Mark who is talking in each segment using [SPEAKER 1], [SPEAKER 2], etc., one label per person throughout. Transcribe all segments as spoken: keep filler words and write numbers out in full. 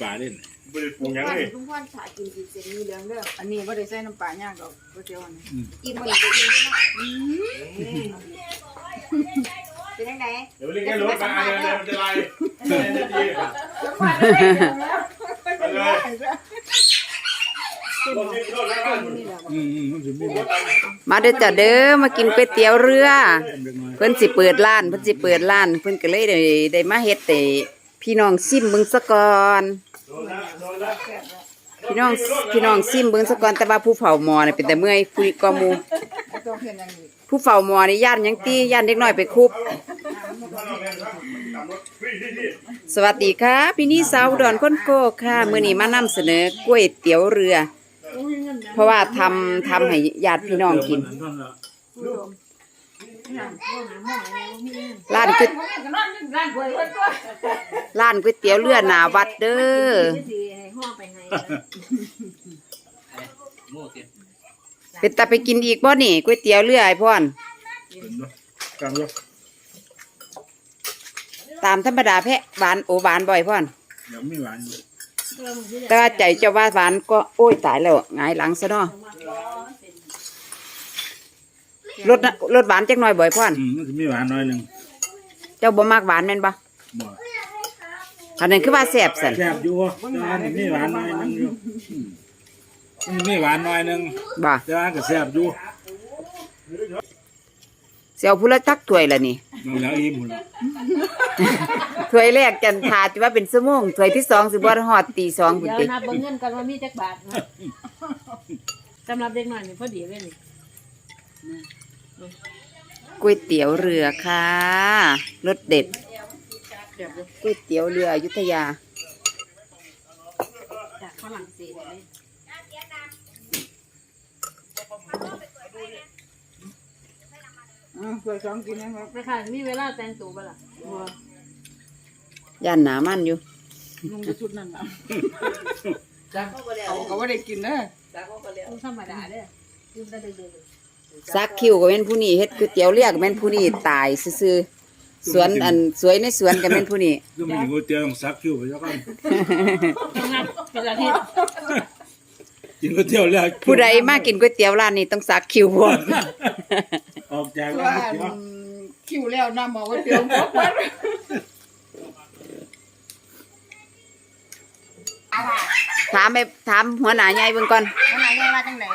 [SPEAKER 1] ปลาเล่น
[SPEAKER 2] บริปรุงยังไง
[SPEAKER 3] ทุกคนถ่ายกินกินเสร็จมีเหลืองเด้ออันนี้ไม่ได้ใส่น้ำปลาย่างดอกก๋วยเตี๋ยวอันนี้กินมาอีกกินไม่ได้เป็นยังไง
[SPEAKER 2] เดี๋ยวเรียกแค่รถมาเดี๋ยวเดี๋ยวมันจะไล่จะดีค่ะไปเลย
[SPEAKER 4] มาเด้อจ้ะเด้อมากินก๋วยเตี๋ยวเรือเพิ่นสิเปิดร้านเพิ่นสิเปิดร้านเพิ่นก็เลยได้ได้มาเฮ็ดให้พี่น้องซิมเบิ่งซะก่อนพี่น้องพี่น้องซิมเบิ่งซะก่อนแต่ว่าผู้เฝ้าหม้อนี่เป็นแต่เมื่อยคุยกอหมู่ผู้เฝ้าหม้อนี่ย่านหยังตี้ย่านเด็กน้อยไปคุบสวัสดีค่ะพี่นี่สาวอุดรคนโก้ค่ะมื้อนี้มานำเสนอก๋วยเตี๋ยวเรือเพราะว่าทำทำให้ญาติพี่น้องกินร้านก๋วยร้านก๋วยเตี๋ยวเรือหน้าวัดเด้อเป็นตาไปกินอีกบ่นี่ก๋วยเตี๋ยวเรือไอ้พ่อนตามธรรมดาแพะหวานโอหวานบ่อยพ่อน
[SPEAKER 1] ยังไม่หวาน
[SPEAKER 4] แต่ว่าใจเจ้าว่าหวานก็โอ้ยตายแล้วหงายหลังซะเนาะรสรสหวานจักหน่อยบ่อยพ่อน
[SPEAKER 1] อืมมันจะไม่หวานน้อยหนึ่ง
[SPEAKER 4] เจ้าบ่มากหวานแม่นบ่
[SPEAKER 1] บ่
[SPEAKER 4] อันนั้นคือว่าแซ่บสั่น
[SPEAKER 1] แซ่บอยู่แต่ว่ามันไม่หวานน้อยหนึ่งอยู่มันไม่หวานน้อยหนึ่ง
[SPEAKER 4] บ่
[SPEAKER 1] แต่ว่าก็แซ่บอยู่
[SPEAKER 4] เสียวผู้ละจักถ้วยละนี่
[SPEAKER 1] มันแล้วอิ่มหมดแล้ว
[SPEAKER 4] ถ้วยแรกจันทาจะว่าเป็นชั่วโมงถ้วยที่สองสิบ่ฮอดตีสองพุ่นติ
[SPEAKER 3] เดี๋ยวนับเงินกันว่ามีจักบาทนะสำหรับเด็กน้อยนี่พอดีเลยนี่
[SPEAKER 4] ก๋วยเตี๋ยวเรือค่ะรสเด็ดก๋วยเตี๋ยวเรืออยุธยา
[SPEAKER 3] จากฝรั่งเศสเลยอือเคยสองกินนะครับไปค่ะมีเวลาแต่งตัวบ่ล่ะ
[SPEAKER 4] ย่านหนามันอยู่
[SPEAKER 3] นุ่งชุดนั่นน่ะจักเขาก็บ่ได้กินเด้อจักเขาก็แล้วธรรมดาเด้อกินได้เด้อ
[SPEAKER 4] ซักคิวก็เป็นผู้นี้เฮ็ดก๋วยเตี๋ยวเรือก็เป็นผู้นี้ตายซื่อๆสวนอันสวยในสวนก็เป็นผู้นี้
[SPEAKER 1] ก็มีก๋วยเตี๋ยวต้องซักคิวไปซะก่อน
[SPEAKER 3] ต้องนับเป็นอาทิตย์
[SPEAKER 1] กินก๋วยเตี๋ยวเรือ
[SPEAKER 4] ผู้ใดมากินก๋วยเตี๋ยวร้านนี้ต้องซักคิวบ่
[SPEAKER 1] ออกจากร้าน
[SPEAKER 3] คิวแล้วนำมาก๋วยเตี๋ยวบ่มัน
[SPEAKER 4] ถามไปถามหัวหน้าใหญ่เบิ่งก่อน
[SPEAKER 3] หัวหน้าใหญ่ว่าจังได๋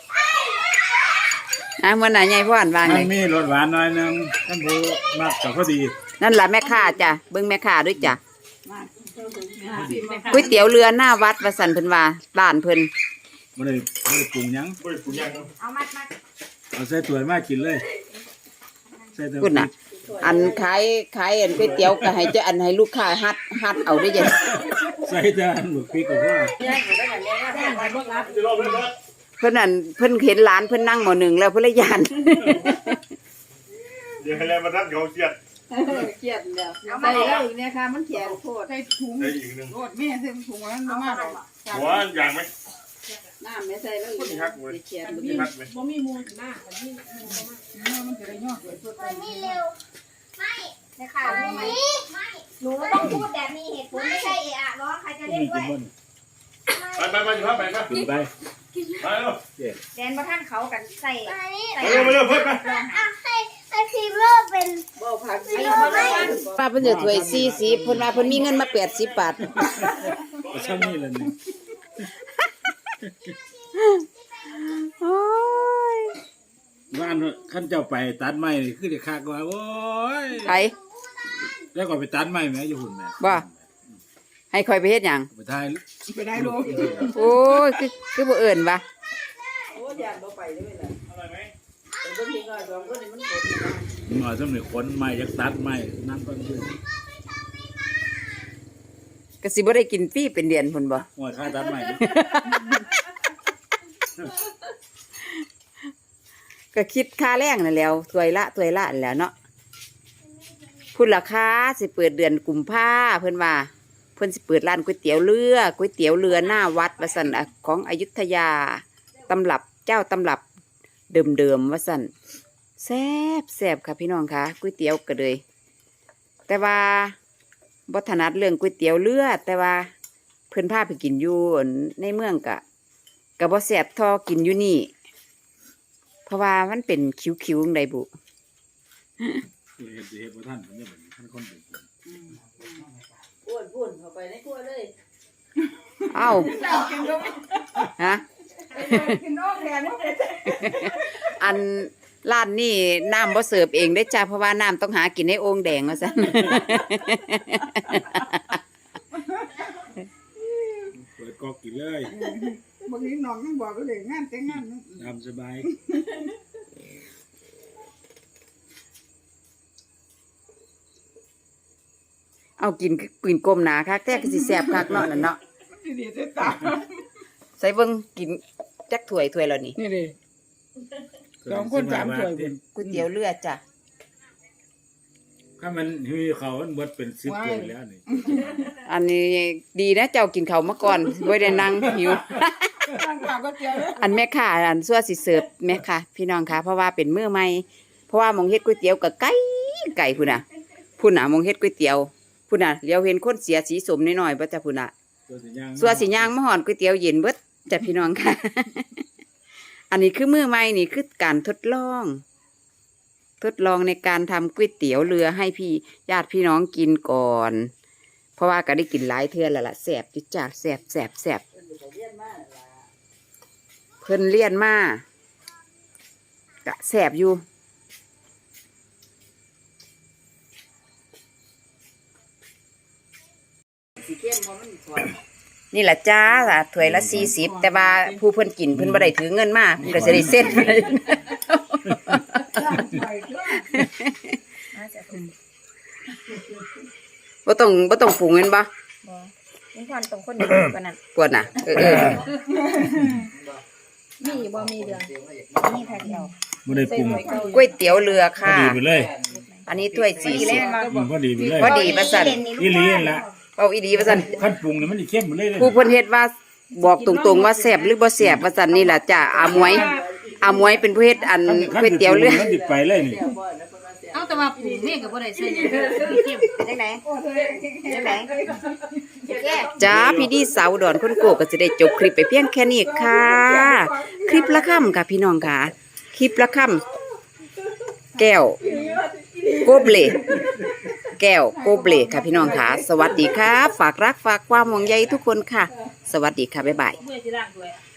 [SPEAKER 4] อ่ะหัวหน้าใหญ่พ่อนว่าไง
[SPEAKER 1] มีรสหวานน้อยนึงท่านผู้มักก็พอดี
[SPEAKER 4] นั่นล่ะแม่ค้าจ้ะเบิ่งแม่ค้าด้วยจ้ะก๋วยเตี๋ยวเรือหน้าวัดว่าซั่นเพิ่นว่าร้านเพิ่น
[SPEAKER 1] บ่ได้บ่ได้ปรุงหยัง
[SPEAKER 2] บ่ได้ปรุงยัง
[SPEAKER 3] เอามัดมัด
[SPEAKER 1] เอาใส่ถ้วยมากินเลยใส่ถ้วย
[SPEAKER 4] พุ่นน่ะอันขายขายอันก๋วยเตี๋ยวก็ให้เจ้าอันให้ลูกค้าฮัดฮัดเอาได้จัง
[SPEAKER 1] ใส่จานหมึกพริกก็พอเพิ่น
[SPEAKER 4] นั่นเพิ่นเห็นหลานเพิ่นนั่งหม้อหนึ่งแล้วเพิ่นเลยย่าน
[SPEAKER 2] เดี๋ยวให้แล้วมาทักเขาเครียด
[SPEAKER 3] เครียดแล้วเอามาได้อีกเนี่ยค่ะมันแข็งโพดใส่ถุง
[SPEAKER 2] ได้อีกนึง
[SPEAKER 3] โพดแม่ใส่ถุงนั้นบ่มาดอก
[SPEAKER 2] หัวอย่างมั้ย
[SPEAKER 3] น้ำไม่ใส่เลย
[SPEAKER 2] คนฮักเว้ย
[SPEAKER 3] บ่มีมูลหน้าอันนี้มันจะได้ยอดเลยตัว
[SPEAKER 5] ไม่เร็วไม่ไม่ค่ะไม่ไม่หนูต้องพูดแบบมีเหตุผลไม่ใช่เอะอะร้องใครจะเล่นด้วย
[SPEAKER 2] ไปไปไปอยู่ครับไปครับ
[SPEAKER 1] กินไป
[SPEAKER 2] ไปแล้ว
[SPEAKER 5] แดนประท่านเขากันใส่ใส่
[SPEAKER 2] ไปเร็วไปเร็วเพิ่มไป
[SPEAKER 5] ให้ให้พิมพ์โลกเป็น
[SPEAKER 3] บ่ผัก
[SPEAKER 5] พิมพ์โลกไม่
[SPEAKER 4] ป้าเพิ่นจะถ้วยสี่สิบเพิ่นว่าเพิ่นมีเงินมาแปดสิบบาท
[SPEAKER 1] ก็ซ้ำนี่แหละนี่
[SPEAKER 4] โอ้ย
[SPEAKER 1] บ้านขั้นเจ้าไปตัดไม้คือเด็กคักว่าโอ้ย
[SPEAKER 4] ไป
[SPEAKER 1] แล้วก็ไปตัดไม้แม่อยู่หุ่นแม่
[SPEAKER 4] บ่ให้คอยไปเฮ็ดหยัง
[SPEAKER 1] ไปถ่าย
[SPEAKER 3] ไปได้ลูก
[SPEAKER 4] โอ้ยคือคือบ่เอิ้นว่ะ
[SPEAKER 3] โอ้ยานบ่ไปได้แม่ล่ะอร่อยมั้ยเป็นบ่มีน้อยสองคนนี่มันบ่
[SPEAKER 1] หน่อยสำหรับคนไม้จักตัดไม้นั่นก็คือ
[SPEAKER 4] ก็สิบ่ได้กินฟรีเป็นเดือนพุ่นบ่
[SPEAKER 1] โอ้ยค่าตัดไม้
[SPEAKER 4] ก็คิดค่าแรงนั่นแหล้วถ้วยละถ้วยละนั่นแหล้วเนาะพุ่นราคาสิเปิดเดือนกุมภาเพิ่นว่าเพิ่นสิเปิดร้านก๋วยเตี๋ยวเรือก๋วยเตี๋ยวเรือหน้าวัดว่าซั่นของอยุธยาตำรับเจ้าตำรับเดิมๆว่าซั่นแซ่บแซ่บค่ะพี่น้องค่ะก๋วยเตี๋ยวก็เลยแต่ว่าบ่ถนัดเรื่องก๋วยเตี๋ยวเรือแต่ว่าพิ่นพาไปกินอยู่ในเมืองกะกะบ่แซ่บเทอกินอยู่นี่ เพราะว่ามันเป็นคิ้วๆจั่งใดบุ
[SPEAKER 1] คือเฮ็ดสิเฮ็ดบ่ทันมันเนี่ยมันท่านคนเป็นคน
[SPEAKER 3] อ้วนพุ่นเข้าไปในครัวเลย
[SPEAKER 4] เอ้า
[SPEAKER 3] เจ้ากินก็ไม่
[SPEAKER 4] ฮะ
[SPEAKER 3] กินนอกแทนไม่ได้
[SPEAKER 4] อันร้านนี่น้ำบ่เสิร์ฟเองได้อจ้าเพราะว่าน้ำต้องหากินในโอ่งแดงว่าซั่น
[SPEAKER 1] เปิดก๊อกกินเลย
[SPEAKER 3] บางทีน้องยังบอกก็เลยงานแต่งงาน
[SPEAKER 1] ตามสบาย
[SPEAKER 4] เอากินปืนกลมหนาคักแต่ก็สิแซ่บคักเนาะนั่นเนาะ
[SPEAKER 3] ดีๆจะตาม
[SPEAKER 4] ใส่เบิ่งกินจักถ้วยถ้วยแล้วนี่
[SPEAKER 3] นี่ดิสองคนสามถ้วย
[SPEAKER 4] ก๋วยเตี๋ยวเรือจ้ะ
[SPEAKER 1] ถ้ามันหิวเขามันเบิดเป็นสิบถ้วยแล้วนี่
[SPEAKER 4] อันนี้ดีนะเจ้ากินข้าวมาก่อนบ่ได้นั่งหิว
[SPEAKER 3] ตั้งข้าวก็เจียวเลย
[SPEAKER 4] อันแม่ค้าอันซัวสิเสิร์ฟแม่ค่ะ พี่น้องค่ะเพราะว่าเป็นมื้อใหม่เพราะว่าหมองเฮ็ดก๋วยเตี๋ยวก็ไก่ไก่พุ่นน่ะพุ่นน่ะหมองเฮ็ดก๋วยเตี๋ยวพุ่นน่ะเลี้ยวเห็นคนเสียสีสมน้อยๆบ่จ้ะพุ่นน่ะ
[SPEAKER 1] ตัวสิย่าง
[SPEAKER 4] ซัวสิย่างมาหอนก๋วยเตี๋ยวเย็นเบิดจ้ะพี่น้องค่ะ อันนี้คือมื้อใหม่นี่คือการทดลอง ทดลองในการทำก๋วยเตี๋ยวเรือให้พี่ญาติพี่น้องกินก่อน เพราะว่าก็ได้กินหลายเทื่อแล้วล่ะแซ่บจุดจ้าแซ่บแซ่บแซ่บเพิ่นเลียนมากะแซ่บอยู่นี่แหละจ้าล่ะถ้วยละสี่สิบแต่ว่าผู้เพิ่นกินเพิ่นบ่ได้ถือเงินมาเพิ่นก็จะได้เส้นไป บ่ต้องบ่ต้องปรุงเงินบ่
[SPEAKER 5] นี่ความตรงคนเดียวกันนั่น
[SPEAKER 4] ปวดน่ะเออเออ
[SPEAKER 5] มีบ่มีเดือนมีแพ็คเดียว
[SPEAKER 1] บ่ได้ปรุง
[SPEAKER 4] ก๋วยเตี๋ยวเรือ
[SPEAKER 1] พอ
[SPEAKER 4] ค่ะ
[SPEAKER 1] ดีไปเลย
[SPEAKER 4] อันนี้ถ้วยสี่สิบ
[SPEAKER 1] อืมพอดีไปเลย
[SPEAKER 4] พอดีประสัน
[SPEAKER 1] อีหลีนั่นล่ะ
[SPEAKER 4] เอาอีดีประสัน
[SPEAKER 1] ขั้นปรุงนี่มันสิเข้มหมดเลยเลย
[SPEAKER 4] ผู้เพิ่นเฮ็ดว่าบอกตรงๆว่าแซ่บหรือบ่แซ่บประสันนี่ล่ะจ้ะอามวยอามวยเป็นผู้เฮ็ดอันก๋วยเตี๋ยวเรือ
[SPEAKER 1] มันสิไปเลยนี่
[SPEAKER 3] เอาแต่ว่าปรุงนี่ก็บ่ได้ใส่หยังเข้ม
[SPEAKER 5] จังไหนจังไหนแก้
[SPEAKER 4] จ้าพี่ดีสาวอุดอนคนโกก็จะได้จบคลิปไปเพียงแค่นี้ค่ะ คลิปละค่ำค่ะพี่น้องค่ะ คลิปละค่ำแก้วโกเบลแก้วโกเบลค่ะพี่น้องค่ะ สวัสดีค่ะฝากรักฝากความห่วงใยทุกคนค่ะ สวัสดีค่ะบ๊ายบาย
[SPEAKER 3] เมื่อสิล้างถ้วย